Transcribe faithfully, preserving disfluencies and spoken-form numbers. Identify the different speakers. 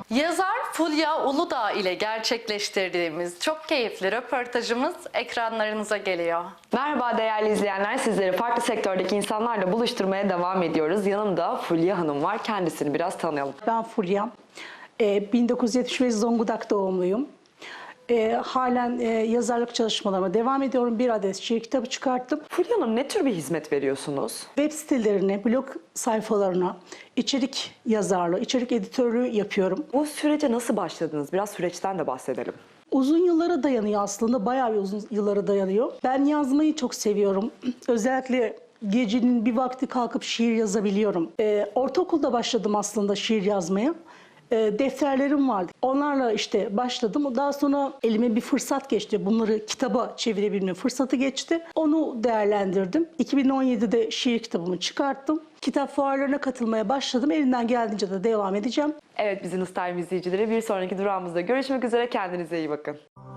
Speaker 1: Yazar Fulya Uludağ ile gerçekleştirdiğimiz çok keyifli röportajımız ekranlarınıza geliyor.
Speaker 2: Merhaba değerli izleyenler, sizleri farklı sektördeki insanlarla buluşturmaya devam ediyoruz. Yanımda Fulya Hanım var, kendisini biraz tanıyalım.
Speaker 3: Ben Fulya, e, bin dokuz yüz yetmiş beş Zonguldak doğumluyum. E, halen e, yazarlık çalışmalarıma devam ediyorum. Bir adet şiir kitabı çıkarttım.
Speaker 2: Fulya Hanım, ne tür bir hizmet veriyorsunuz?
Speaker 3: Web sitelerine, blog sayfalarına içerik yazarlığı, içerik editörlüğü yapıyorum.
Speaker 2: Bu sürece nasıl başladınız? Biraz süreçten de bahsedelim.
Speaker 3: Uzun yıllara dayanıyor aslında, bayağı bir uzun yıllara dayanıyor. Ben yazmayı çok seviyorum. Özellikle gecenin bir vakti kalkıp şiir yazabiliyorum. E, ortaokulda başladım aslında şiir yazmaya. E, defterlerim vardı. Onlarla işte başladım. Daha sonra elime bir fırsat geçti. Bunları kitaba çevirebilme fırsatı geçti. Onu değerlendirdim. iki bin on yedide şiir kitabımı çıkarttım. Kitap fuarlarına katılmaya başladım. Elimden geldiğince de devam edeceğim.
Speaker 2: Evet, Business Time izleyicileri, bir sonraki durağımızda görüşmek üzere. Kendinize iyi bakın.